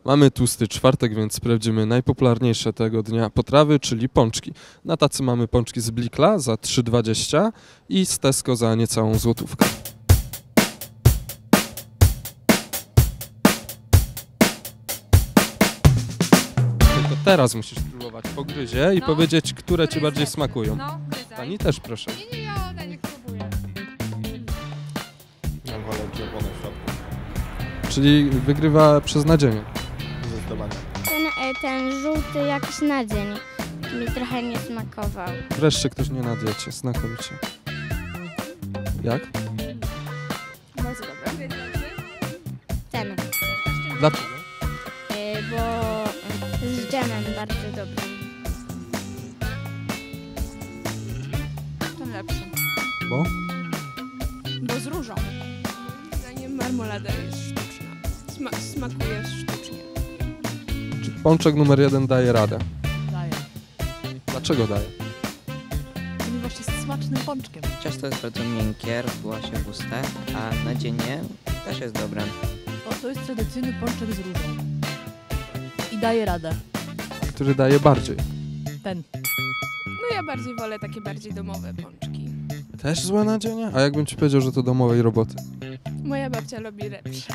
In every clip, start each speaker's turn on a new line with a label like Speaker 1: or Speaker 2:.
Speaker 1: Mamy tłusty czwartek, więc sprawdzimy najpopularniejsze tego dnia potrawy, czyli pączki. Na tacy mamy pączki z Blikla za 3,20 i z Tesco za niecałą złotówkę. Tylko teraz musisz próbować po gryzie i powiedzieć, które ci bardziej smakują.
Speaker 2: No, gryzaj.
Speaker 1: Pani też proszę.
Speaker 2: Nie, ja niech próbuję.
Speaker 3: Ja wolę czerwone w środku.
Speaker 1: Czyli wygrywa przez nadzienie.
Speaker 3: Zdecydowanie.
Speaker 4: Ten żółty jakiś na dzień mi trochę nie smakował.
Speaker 1: Wreszcie ktoś nie na diecie, znakomicie. Jak?
Speaker 2: Bardzo dobre.
Speaker 4: Ten,
Speaker 1: Dlaczego?
Speaker 4: bo z dżemem bardzo dobry.
Speaker 2: Ten lepszy.
Speaker 1: Bo?
Speaker 2: Bo z różą. Moim zdaniem marmolada jest sztuczna. Smakuje sztucznie.
Speaker 1: Czy pączek numer 1 daje radę?
Speaker 5: Daję.
Speaker 1: Dlaczego daje?
Speaker 5: Ponieważ jest smacznym pączkiem.
Speaker 6: Ciasto jest bardzo miękkie, rozbyła się w ustach, a nadzienie też jest dobre.
Speaker 5: O, to jest tradycyjny pączek z różą. I daje radę.
Speaker 1: Który daje bardziej?
Speaker 5: Ten.
Speaker 2: No ja bardziej wolę takie bardziej domowe pączki.
Speaker 1: Też złe nadzienie? A jakbym ci powiedział, że to domowej roboty?
Speaker 2: Moja babcia lubi lepsze.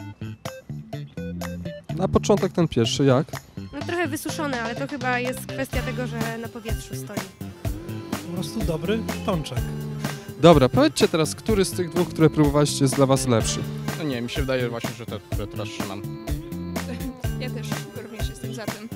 Speaker 1: Na początek ten pierwszy, jak?
Speaker 7: No trochę wysuszone, ale to chyba jest kwestia tego, że na powietrzu stoi.
Speaker 8: Po prostu dobry pączek.
Speaker 1: Dobra, powiedzcie teraz, który z tych dwóch, które próbowaliście, jest dla was lepszy?
Speaker 3: No nie, mi się wydaje właśnie, że te, które teraz trzymam.
Speaker 2: Ja też również jestem za tym.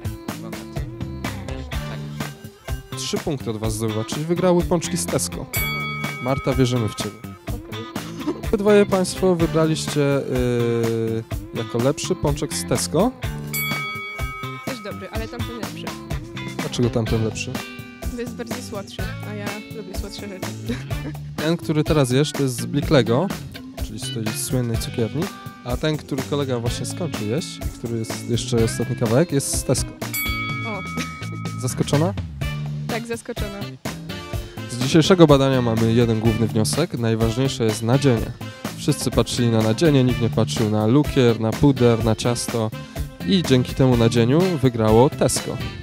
Speaker 1: 3 punkty od was zdobywa, czyli wygrały pączki z Tesco. Marta, wierzymy w ciebie. Obydwoje państwo wybraliście jako lepszy pączek z Tesco.
Speaker 2: Też dobry, ale tamten lepszy.
Speaker 1: Dlaczego tamten lepszy?
Speaker 2: To jest bardziej słodszy, a ja lubię słodsze rzeczy.
Speaker 1: Ten, który teraz jesz, to jest z Bliklego, czyli z tej słynnej cukierni, a ten, który kolega właśnie skończył jeść, który jest jeszcze ostatni kawałek, jest z Tesco.
Speaker 2: O,
Speaker 1: Zaskoczona?
Speaker 2: tak zaskoczona.
Speaker 1: Z dzisiejszego badania mamy jeden główny wniosek. Najważniejsze jest nadzienie. Wszyscy patrzyli na nadzienie, nikt nie patrzył na lukier, na puder, na ciasto i dzięki temu nadzieniu wygrało Tesco.